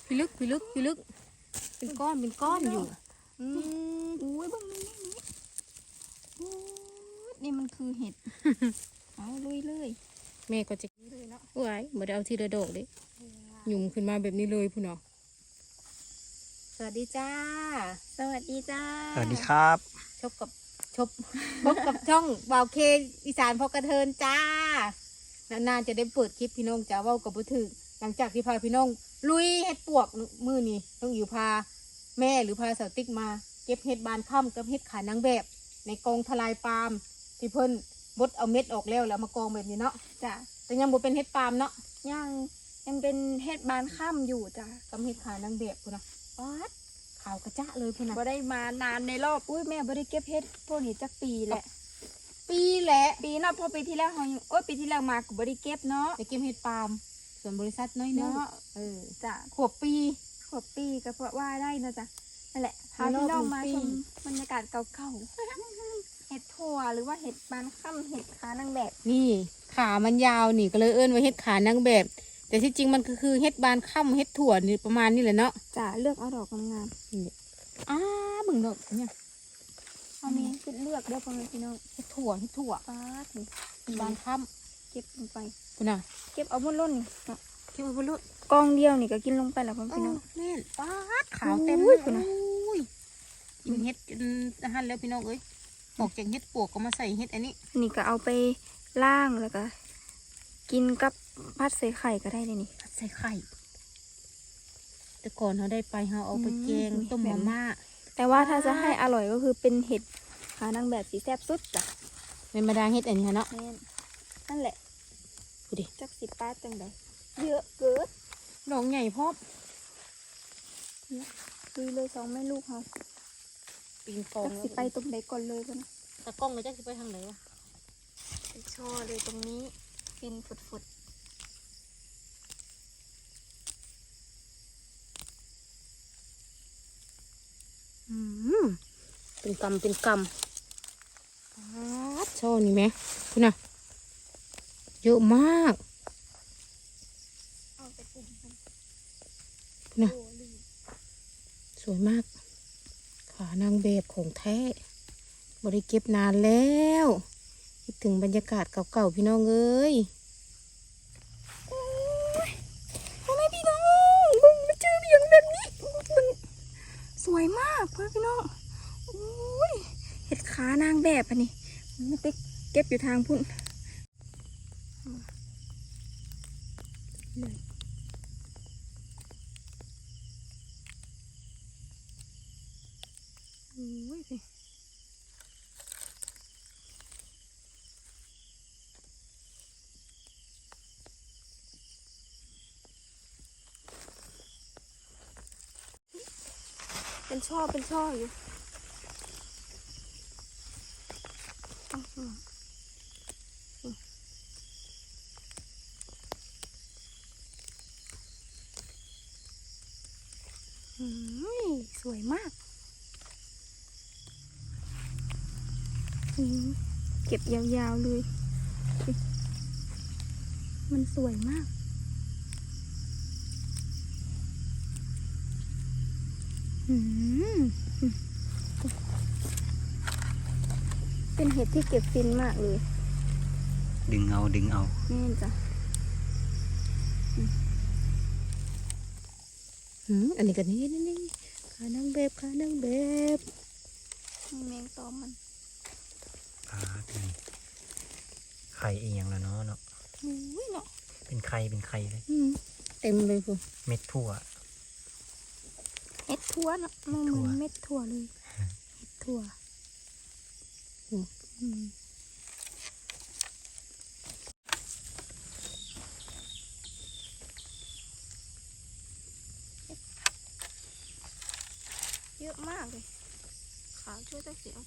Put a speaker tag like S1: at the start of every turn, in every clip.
S1: พี่ลึกเป็นก้อนอยู่
S2: อุ้ยเบิ่งนี่มันคือเห็ด เอาลุยเลย
S1: แม่ก็จะ
S2: เลยเนาะ
S1: ไว้บ่ได้เอาทีละดอกเลยหยุ่มขึ้นมาแบบนี้เลยพุ่นเนาะสวัสดีจ้า
S2: สวัสดีจ้า
S3: สวัสดีครับ
S1: พบกับช่องบ่าวเคอีสานพอกระเทินจ้านานๆจะได้เปิดคลิปพี่น้องจ้าเว้ากับบุถึกหลังจากที่พาพี่น้องลุยเฮ็ดปวกมือนี่ต้องอยู่พาแม่หรือพาสาวติ๊กมาเก็บเฮ็ดบานค่ำกับเฮ็ดขานางแบบ ในกองทลายปาล์มที่เพิ่นบดเอาเม็ดออกแล้วมากองแบบนี้เนาะ
S2: จ้ะ
S1: แต่ยังบ่เป็นเฮ็ดปาล์มเนาะ
S2: ยังเป็นเห็ดบานค่ำอยู่จ้ะ
S1: กับเฮ็ดขานางแบบพุ่นนะป๊าดขาวกระจะเลยพุ่นนะ
S2: บ่ได้มานานในรอบอุ้ยแม่บ่ได้เก็บเห็ดพวกนี้จักปีแหละ
S1: ปีแหละ
S2: ปีเนาะพอปีที่แล้วเฮายังปีที่แล้วมาก็บ่ได้เก็บเนาะ
S1: ไปเก็บเฮ็ดปาล์มส่วนบริษัทน้อยเนาะ
S2: จ้ะ
S1: ขวบปี
S2: ขวบปีก็เพราะว่าได้เนาะจ้ะนั่นแหละพา
S1: ในรอบ
S2: พี่น้องมา
S1: 1 ปี
S2: ชมบรรยากาศเก่าๆ เห็ดถั่วหรือว่าเห็ดบานค่ำเห็ดขานางแบบ
S1: นี่ขามันยาวนี่ก็เลยเอิ้นว่าเฮ็ดขานางแบบ แต่ที่จริงมันก็คือเฮ็ดบานค่ำเฮ็ดถั่วนี่ประมาณนี้แหละเนาะ
S2: จ้ะเลือกเอาดอกงาม
S1: อ้าเบิ่งดอกเนี่ย
S2: ๆเอามีชุดเลือกเด้อพ่อแม่พี่น้อง
S1: เฮ็ดถั่ว
S2: ป๊าดนี่
S1: บานค่
S2: เก็บลงไป
S1: ำพุ่นน่ะ
S2: เก็บเอาบนล้นนี่เนาะ
S1: เก็บไว้บนรถ
S2: กองเดียวนี่ก็กินลงไปแล้วพ่อแม่พี่น้อง
S1: แม่นป๊าดขาวเต็ม
S2: อุ้
S1: เลย ย
S2: พุ่นน่ะ
S1: อุ้ยกินเฮ็ดจนอาหารแล้วพี่น้องเอ้ยออกจากเฮ็ดปวกก็มาใส่เฮ็ดอันนี้
S2: นี่ก็เอาไปล่างแล้วก็กินกับพัดใส่ไข่ก็ได้เลยนี่
S1: ผัดใส่ไข่แต่ก่อนเขาได้ไปเขาเอาไปแกงต้มมาม่า
S2: แต่ว่าถ้าจะให้อร่อยก็คือเป็นเห็ดขานางแบบสีแซ่บสุดจ้ะ
S1: เป็นมาดาเฮ็ดอันนี้เนาะ
S2: แม่นนั่นแหละ
S1: ดูดิ
S2: จักสิป้าจังใดเยอะเกิน
S1: ดอกใหญ่พอบ
S2: ดูเลย2 แม่ลูกเขา
S1: ปิงปอง
S2: จักสิไปตรงไหนก่อนเลยกันนะ
S1: ตะกล้องเลยจักสิไปทางไหนวะ
S2: ไปโชว์เลยตรงนี้ฟินฝุด
S1: เป็นกำโชว์นี่ไหมคุณน่ะเยอะมาก
S2: ๆเอาไปกลุ่มกัน
S1: น่ะ
S2: โอ้ลืม
S1: สวยมากขานางแบบของแท้บริเก็บนานแล้วคิดถึงบรรยากาศเก่าๆพี่น้องเอ้ย
S2: พ่อแม่พี่น้องบึงมาเจออย่างแบบนี้บึงสวยมากพ่อพี่น้องโอ้ยเห็ดขานางแบบอันนี้มันไปเก็บอยู่ทางพุ่นเลยโอ้ยสิเป็นช่ออยู่สวยมากเก็บยาวๆเลย มันสวยมากเป็นเห็ดที่เก็บฟินมากเลย
S3: ดึงเอา
S2: นี่จ้ะ
S1: อันนี้ก็นี่ขานางแบบ
S2: แมงตอมมัน
S3: ไข่เอียงแล้วเนาะ
S2: เนาะ
S3: เป็นไข่เลย
S1: เต็มเลยคุณ
S3: เม็ดถั่ว
S2: เห็ดทั่วเนาะมันเหมือนเม็ดถั่วเลยเห็ดถั่วเยอะมากเลยขาวช่วยตั้งเสียง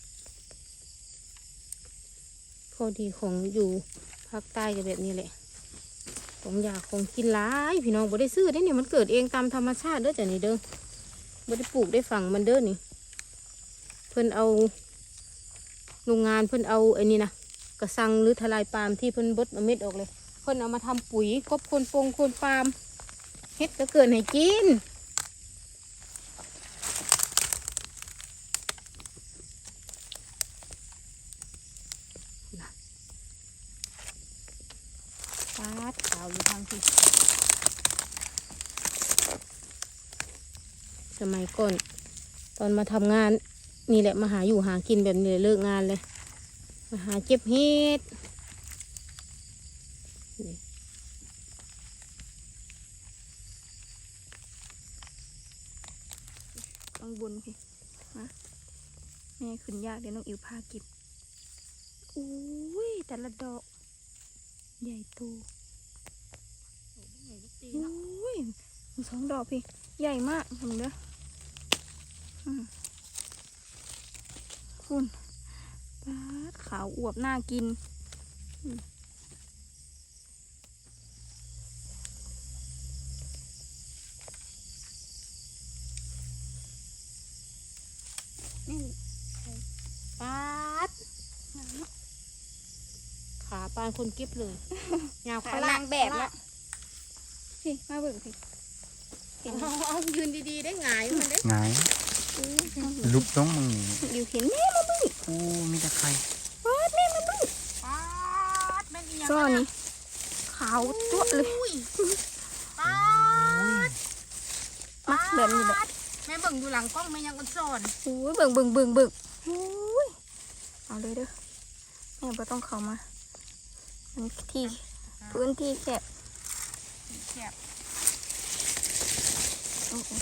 S1: พอดีของอยู่ภาคใต้ก็แบบนี้แหละของอยากของกินหลายพี่น้องบ่ได้ซื้อได้เนี่ยมันเกิดเองตามธรรมชาติเด้อจ้ะนี่เด้อบ่ได้ปลูกได้ฝังมันเด้อนี่เพิ่นเอาโรงงานเพิ่นเอาไอ้นี่นะกระสังหรือทลายปาล์มที่เพิ่นบดเอาเม็ดออกเลยเพิ่นเอามาทำปุ๋ยกบโคนปงโคนปาล์มเฮ็ดก็เกินให้กินปาดขาวอยู่ทางที่สมัยก่อนตอนมาทำงานนี่แหละมาหาอยู่หากินแบบนี้เลยเลิกงานเลยมาหาเก็บเห็ดนี่
S2: ข้างบนพี่มาแม่ขึ้นยากเดี๋ยวน้องอิ๋วพาเก็บอุ้ยแต่ละดอกใหญ่โตอุ้ยมีสองดอกพี่ใหญ่มากเห็นเด้อคุณปาดขาวอวบน่ากินนี่
S1: ปาดขาปานคนเก็บเลยยาว
S2: ขานางแบบละพี่มาเบิ่งพี่
S1: เอายืนดีๆได้หงายมันได้
S3: ไงายลุกต้องมึงนี่
S2: อยู่เห็นแม่มาเบิ่ง
S3: โอ้มีแต่ไข่
S2: ปาดแม่มาเบิ่ง
S1: ปาดแม่นอีหยัง
S2: ซ้อนี่ขาวจั๊วะเลย
S1: ปาด
S2: มักแบบนี้แหละ
S1: แม่เบิ่งดูหลังกล้องแม่ยังอ่อนสอน
S2: โอ้ยเบิ่งเบิ่งเบิ่งเบิ่งโอ้ยเอาเลยเด้อแม่บ่ต้องเข้ามามันที่พื้นที่แคบ
S1: แคบ
S2: โอ้โห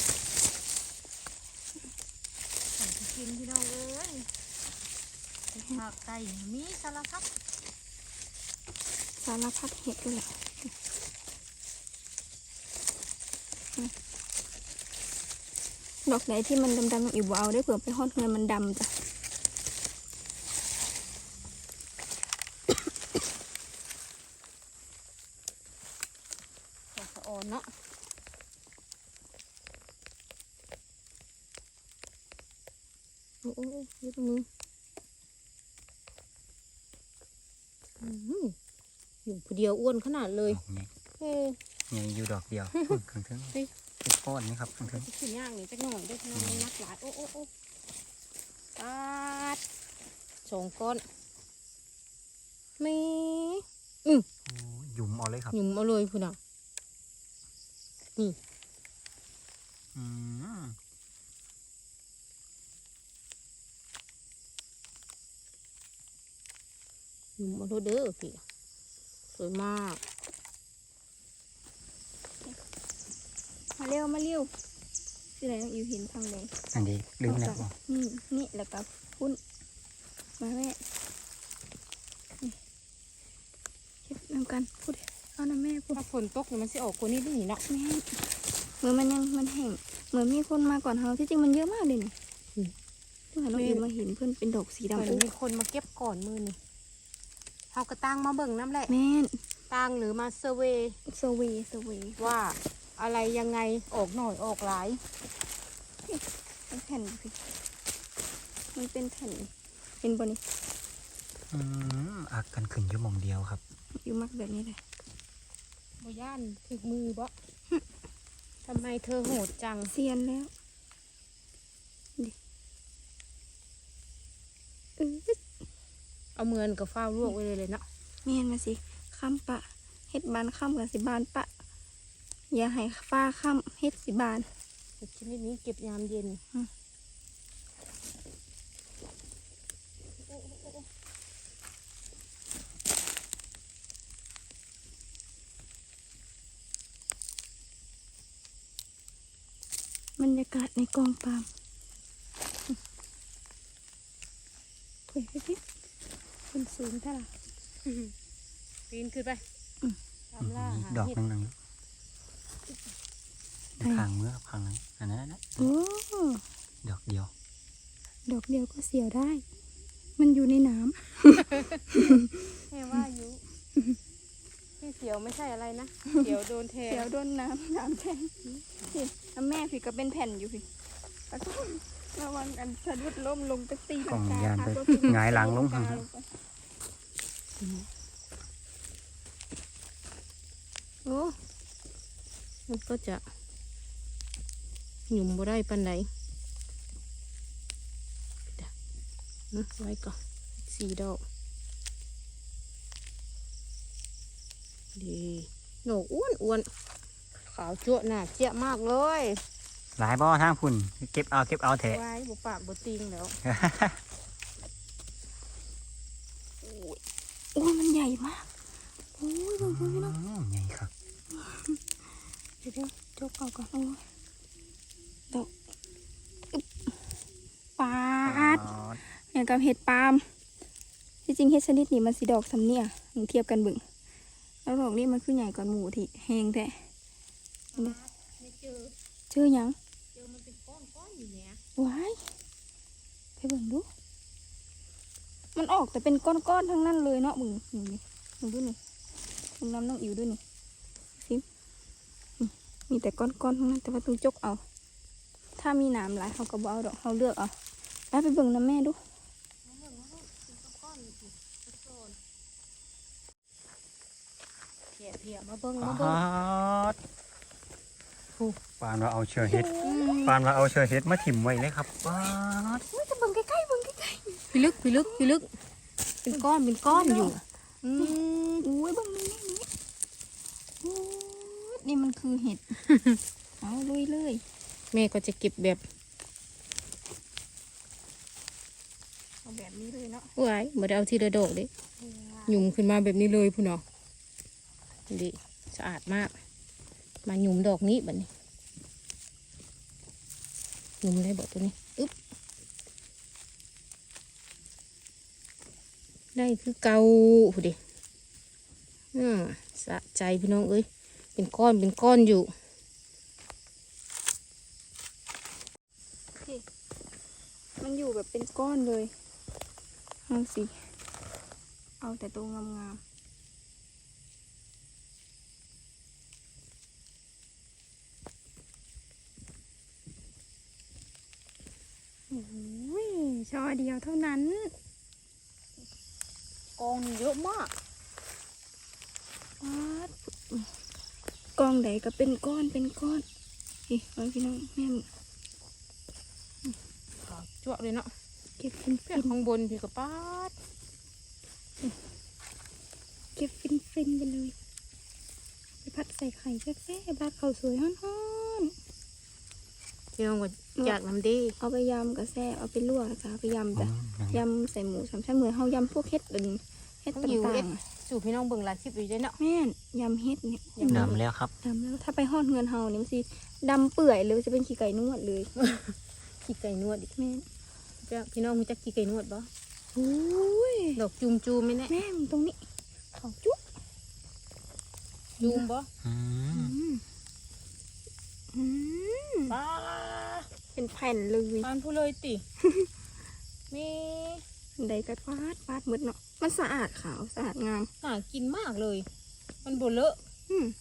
S1: ใส่กินพี่น้องเอ้ยผักไก่มีสารพัด
S2: สารพัดเห็ดด้วยแหละดอกไหนที่มันดำๆอยู่บ่เอาได้เผื่อไปฮอดเงินมันดำจ้ะ
S1: ดอกสะออนเนาะโอ้โอ้ยืดมืออยู่ผู้เดียวอ้วนขนาดเลย
S3: ดอกนี้
S1: เออ
S3: ใหญ่อยู่ดอกเดียวข้างเทิง
S1: เฮ้ย
S3: เป็นก้อนนี่ครับข้างเทิง
S1: ขึ้นย่างนี่จักหน่อยได้ขนาดนักหลายโอ้โอ้โอ้ปาดสองก้อนไม่
S3: โอ้หยุ่มเอาเลยครับ
S1: หยุ่มเอาเลยพุ่นอ่ะ
S3: อืม
S1: หยุ่มเอาเลยเด้อพี่สวยมาก
S2: มาเร็วมาเร็วที่ไหนน้องอิวเห็นทางไหน
S3: อันนี้ลืมแล้วบ่
S2: นี่แล้วก็พุ่นมาแม่นี่เก็บนำกันพูดเอานะแม่พูด
S1: ถ้าฝนตกเนี่ยมันสิออกคนนี้ได้หนิเนาะ
S2: แม่เหมือนมันยังมันแห้งเหมือนมีคนมาก่อนเราที่จริงมันเยอะมากเลยนี่เมื่อน้องอิวมาเห็นเพื่อนเป็นดอกสี
S1: เห
S2: ดำ
S1: มือน
S2: โอ้
S1: มีคนมาเก็บก่อนมือนี่เฮากระตั้งมาเบิ่งน้ำแหละ
S2: แม่น
S1: ตั้งหรือมาเซอร์เวย์
S2: สวี
S1: ว่าอะไรยังไงออกหน่อยออกหลาย
S2: เป็นแผ่นสิมันเป็นแผ่นเป็นบนี่
S3: อักกันขึ้นอยู่หมองเดียวครับ
S2: อยู่มักแบบนี้เลย
S1: บ่ย่านถึกมือบ่ทำไมเธอโหดจัง
S2: เซียนแล้วดิเออ
S1: เอาเมือนกับฟ้าวลวกไว้เลยเนาะ
S2: แม่นมาสิข้ามปะเฮ็ดบานข้ามกับสิบานปะ อย่าให้ฟ้าข้ามเฮ็ดสิบาน
S1: เห็ดชนิดนี้เก็บยามเย็น
S2: บรรยากาศในกองปาล์มเฮ้ยพี่คนสูงเท่าไหร่
S1: ปีนขึ้นไปตามล่าหา
S3: ดอก
S1: เห็ด
S3: นึงข้างเมื่อข้างนั้นอันนั้นนะ
S2: โอ้
S3: ดอกเดียว
S2: ดอกเดียวก็เสียวได้ มันอยู่ในน้
S1: แม่ว่าอยู่ที่เสียวไม่ใช่อะไรนะเสียวโดนแท
S2: ำ
S1: ง
S2: เสียวโดนน้ำแทงพี่แล้วแม่พี่ก็เป็นแผ่นอยู่พี่แล้วก็ระวังกันสะดุดล้มลงไปตี
S3: กล่อง
S2: กาย
S3: านไป
S2: ก็คือ
S3: หงายหลังลง
S2: ตี
S3: ทาง
S2: ลักกา
S1: โอ้มันก็จะหยุ่มบ่ได้ปานใดไว้ก่อน4 ดอกดีดอกอ้วนขาวจั่วหนาเจี๊ยมากเลย
S3: หลายบ่อทางพุ่นเก็บเอาแถะ
S1: ไว้บุปากบุติงแล้ว
S2: โอ้ยมันใหญ่มากโอ้ยดูพี่น้อง
S3: ใหญ่ครับ
S2: เดี๋ยวจกเอาก่อนโอ้ยดอกอึ๊บปาดอย่างกับเห็ดปาล์มที่จริงเห็ดชนิดนี้มันสีดอกสำเนียมึงเทียบกันเบิ่งแล้วดอกนี้มันคือใหญ่กว่าหมูที่แหงแท้
S1: ไม่เจอ
S2: เจอหยัง
S1: มันเป็นก้อนอยู่เนี่ย
S2: ว้ายไปเบิ่งดู มันออกแต่เป็นก้อนๆทั้งนั้นเลยเนาะมึงนี่มึงดูนี่มึงน้ำน้องอิ๋วดูนี่ซิมีแต่ก้อนๆทั้งนั้นแต่ว่าต้องจกเอา ถ้ามีหนามหลายเขาก็บ่เอาดอกเขาเลือกเอาไปเบิ่งน้ำแม่ดู
S1: เพียมาเบิ่ง
S3: ป
S1: มาเบิ่ง
S3: ปานว่าเอาเชือกเห็ดปานว่าเอาเชือกเห็ดมาถิ่มไว้เลยครับป๊าด
S2: จะเบิ่งใกล้ๆเบิ่งใกล้
S1: พี่ลึกเป็นก้อนอยู่
S2: ๆอุ้ยเบิ่งนี่โอ้ยนี่มันคือเห็ด เอาลุยเลย
S1: แม่ก็จะเก็บแบบ
S2: เอาแบบนี้เลยเนาะ
S1: ไว้บ่ได้เอาทีละดอกเด้หยุ่มขึ้นมาแบบนี้เลยพุ่นเนาะดีสะอาดมาก มาหยุ่มดอกนี้บัดนี้หยุ่มได้บ่ตัวนี้อึ๊บได้คือเก่าพุ่นดิสะใจพี่น้องเอ้ยเป็นก้อนอยู่
S2: มันอยู่แบบเป็นก้อนเลยเอาสิเอาแต่ตัวงามๆโอ้ยช่อเดียวเท่านั้น
S1: กองเยอะมาก
S2: กองใดก็เป็นก้อนนี่เอาพี่น้องแม่
S1: ขาวจั่วเลยเนาะ
S2: เก็บฟิน
S1: เพื่อนข้างบนพี่กระป้าด
S2: เก็บฟินไปเลยไปพัดใส่ไข่แซ่บๆราดข้าวสวยฮ้อน
S1: พี่น้องก็อยากน้ำดี
S2: ๆเอาไปยำกับแซ่บเอาไปลวกจ้ะเอาไปยำจ้ะยำใส่หมูสามชั้นเหมือนเฮายำพวกเห็ดเป็นเห็ดต่างๆ
S1: สู่พี่น้องเบิ่งหลายคลิปอยู่ด้วยเนาะ
S2: แม่นยำเฮ็ดเนี่ย
S3: ดำแล้วครับ
S2: ดำแล้วถ้าไปฮอดเงินเฮาเนี่ยมันสิดำเปื่อยเลยจะเป็นขี้ไก่นวดเลย
S1: ขี้ไก่นวดอีก
S2: แม่น
S1: จ้ะพี่น้องรู้จักขี้ไก่นวดบ่
S2: โอ้ย
S1: ดอกจูมไหมเนี่ย
S2: แม่นตรงนี้เขาจุ๊บ
S1: จูมบ่
S3: อืม
S2: อืม
S1: ป้า
S2: เป็นแผ่นเลย
S1: ปานผู้เลยติ มี
S2: ใดก็ฟาดหมดเนาะมันสะอาดขาวสะอาดงาม
S1: น่ากินมากเลย มันบ่เลอะ
S2: อืม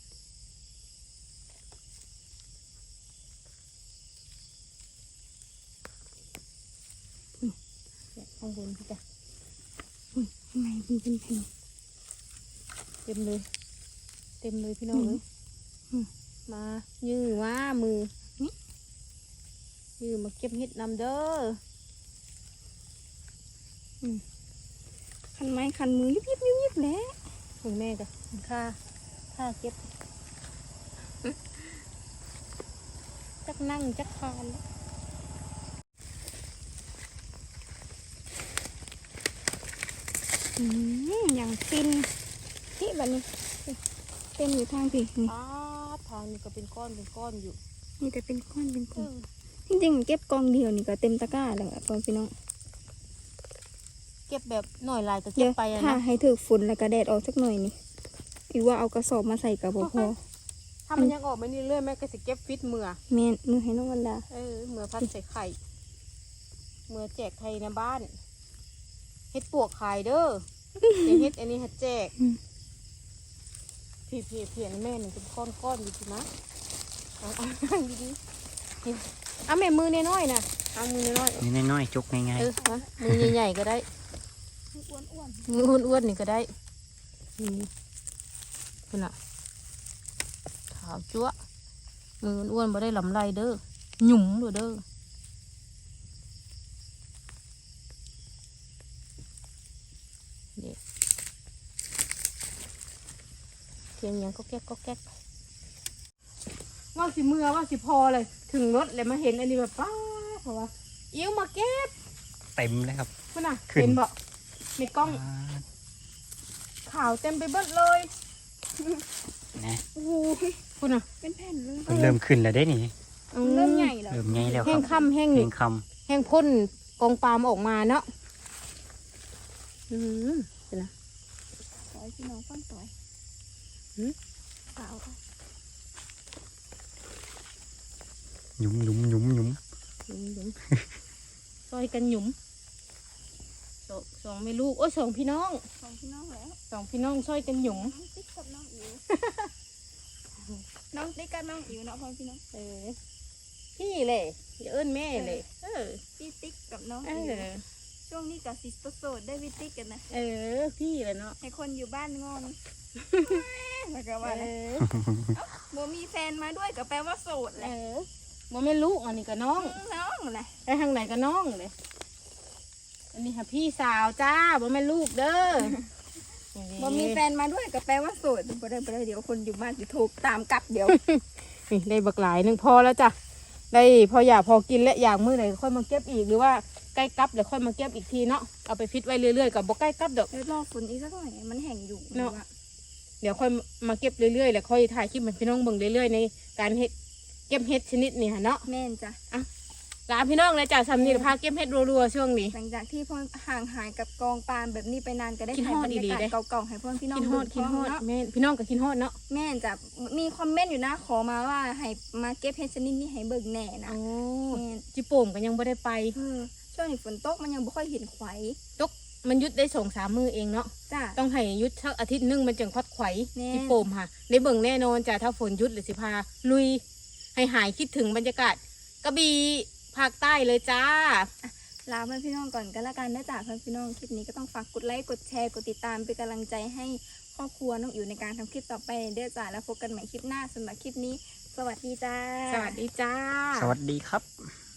S1: เนี่ยข้างบนพี่จ้ะ
S2: ข้างในมันเป็นแผ่น
S1: เต็มเลยพี่น้องเลย มายื้อว่ามือนี่ยื้อมาเก็บเห็ดนำเด้อ
S2: คันไม้คันมือยิบแหล้ว
S1: คุณแม่จ้ะค่าเก็บ จักนั่งจักคานแล้ว
S2: อย่างฟินนี่แบบนี้เต็มอยู่ทางพี่นี่
S1: ทางนี้ก็เป็นก้อนอยู่
S2: นี่แต่เป็นก้อนจริงๆเก็บกองเดียวนี่ก็เต็มตะกร้าแล้วอะพ่อพี่น้อง
S1: เก็บแบบหน่อยลายก็
S2: เดี๋
S1: เก็
S2: ย
S1: บ
S2: ว
S1: ไปอะ
S2: ถ้า
S1: นะ
S2: ให้ถือฝุ่นแล้วก็แดดออกสักหน่อยนี่อีว่าเอากระสอบมาใส่กับบ่พอ
S1: ถ้ามันยังออกไม่นี่เรื่อยแม่ก็จะเก็บฟิตมือ
S2: แม่นมือให้น้องวันดา
S1: เมื่อพันใส่ไข่เมื่อแจกไข่ในบ้านเฮ็ดปวกขายเด้อเดี๋ยวเฮ็ดอันนี้หัดแจกพี่เพียนแม่หนึ่งเป็นก้อนอยู่ทีนะเอาดีๆนี่เอาแม่มือน้อยๆนะเอามือน้อย
S3: นี่น้อยๆจุกง่าย
S1: มามือใหญ่ๆก็ได้ มืออ้วนๆนี่ก็ได้นี่คุณอ่ะขขาวจั๊วะมืออ้วนบ่ได้ลำไรเด้อหยุ่มเด้อเด็กเสียงยังก็แก๊กก็แก๊กว่าสิเมื่อว่าสิพอเลยถึงรถเลยมาเห็นอันนี้แบบป้าเพราะว่าอิ่วมาเก็บ
S3: เต็มเลยครับ
S1: พุ่นน่ะ
S3: ขึ้น
S1: เห็นบ่ในกล้องขาวเต็มไปเบิดเลย
S3: นะ
S1: โอ้โหพุ่นน่ะ
S2: เป็นแผ่นเลย
S3: มันเริ่มขึ้นแล้วได้นี่
S2: เริ่มใหญ่แล้ว
S3: เริ่มใหญ่แล้วค
S1: แห้
S3: รั
S1: ง
S3: บ
S1: ค่ำแห้งห
S3: แห้
S1: นึ่
S3: ง
S1: ง
S3: ค
S1: แห้งพ่นกองปาล์มออกมาเนาะเป็นไง
S2: สวยพี่น้องฟังสวย
S1: หืม
S2: สาวค่ะ
S3: ำหยุมหยุมหยุมหยุม
S1: หยุมซอยกันหยุมสองไม่ลูกโอ้ยสองพี่น้อง
S2: ของพี่น้องแล้ว
S1: สองพี่น้องซอยกันหยุม
S2: น้องติ๊กกับน้องอิ๋ว น้องติ๊กกับน้องอิ๋วเนาะพ่อพี่น้อง
S1: พี่เลยอย่าเอิ้นแม่เลย
S2: พี่ติ๊กกับน้อง
S1: เอ
S2: อิ๋ว
S1: อ
S2: ช่วงนี้กับซิสโสดได้พี่ติ๊กกันนะ
S1: พี่เลยเนาะ
S2: ให้คนอยู่บ้านงอนแล้วก็ว่า
S1: เอ
S2: โบมีแฟนมาด้วยก็แปลว่าโสดแหละ
S1: บ่แม่นลูกอันนี้ก็น้อง
S2: น้องแหละ
S1: ไปทางไหนก็น้องเลยอันนี้ค่ะพี่สาวจ้าบ่แม่นลูกเด้อ
S2: โบมีแฟนมาด้วยก็แปลว่าโสดบ่ได้เดี๋ยวคนอยู่บ้านจะถูกตามกลับเดี๋ยว
S1: นี่ได้บักหลายหนึงพอแล้วจ้ะได้พออยากพอกินและอยากมื้อไหนค่อยมาเก็บอีกหรือว่าใกล้กลับเดี๋ยวค่อยมาเก็บอีกทีเนาะเอาไปฟิตไว้เรื่อยๆกับบ่ใกล้กลับดอก
S2: เดี๋ยวรอฝนอีกสักหน่อยมันแห้งอยู่
S1: เนาะ เดี๋ยวค่อยมาเก็บเรื่อยๆแล้วค่อยถ่ายคลิปให้พี่น้องเบิ่งเรื่อยๆในการเฮ็ดเก็บเฮ็ดชนิดนี้ค่ะเนาะ
S2: แม่นจ้ะ
S1: ลาพี่น้องเลยจ้ะสำนีพาเก็บเฮ็ดรัวๆช่วงนี้
S2: หลังจากที่พ่อห่างหายกับกองปาล์มแบบนี้ไปนานก็ได้
S1: คิด
S2: ถ่าย
S1: ฮอด
S2: บรรยา
S1: ดีๆ
S2: กาศ
S1: เด้
S2: เก่าๆให้พ่อพี่น้อง
S1: กินฮอด
S2: ดู
S1: กินฮอด
S2: เนาะ
S1: แม่นพี่น้องก็กินฮอดเนาะ
S2: แม่นจ้ะมีคอมเมนต์อยู่นะขอมาว่าให้มาเก็บเฮ็ดชนิดนี้ให้เบิ่งแหน่นะ
S1: อ๋อ
S2: แม่น
S1: จิโป่มก็ยังบ่ได้ไป
S2: ช่วงนี้ฝนตกมันยังบ่ค่อยเห็นไข่
S1: มันหยุดได้2-3 มื้อเองเนาะ
S2: จ้ะ
S1: ต้องให้หยุดสักอาทิตย์หนึงมันจึงคัดไขว
S2: แน่
S1: จิโป่มค่ะได้เบิ่งแน่นอนจ้ะถ้าฝนหยุดหรือสิพาลุยให้หายคิดถึงบรรยากาศกระบี่ภาคใต้เลยจ้า
S2: ลาเพื่อนพี่น้องก่อนกันละกันนะจ๊ะเพื่อนพี่น้องคลิปนี้ก็ต้องฝากกดไลค์กดแชร์กดติดตามเป็นกำลังใจให้ครอบครัวน้องอิ๋วในการทำคลิปต่อไปเด้อจ้ะแล้วพบกันใหม่คลิปหน้าสำหรับคลิปนี้ สวัสดีจ้า
S1: สวัสดีจ้า
S3: สวัสดีครับ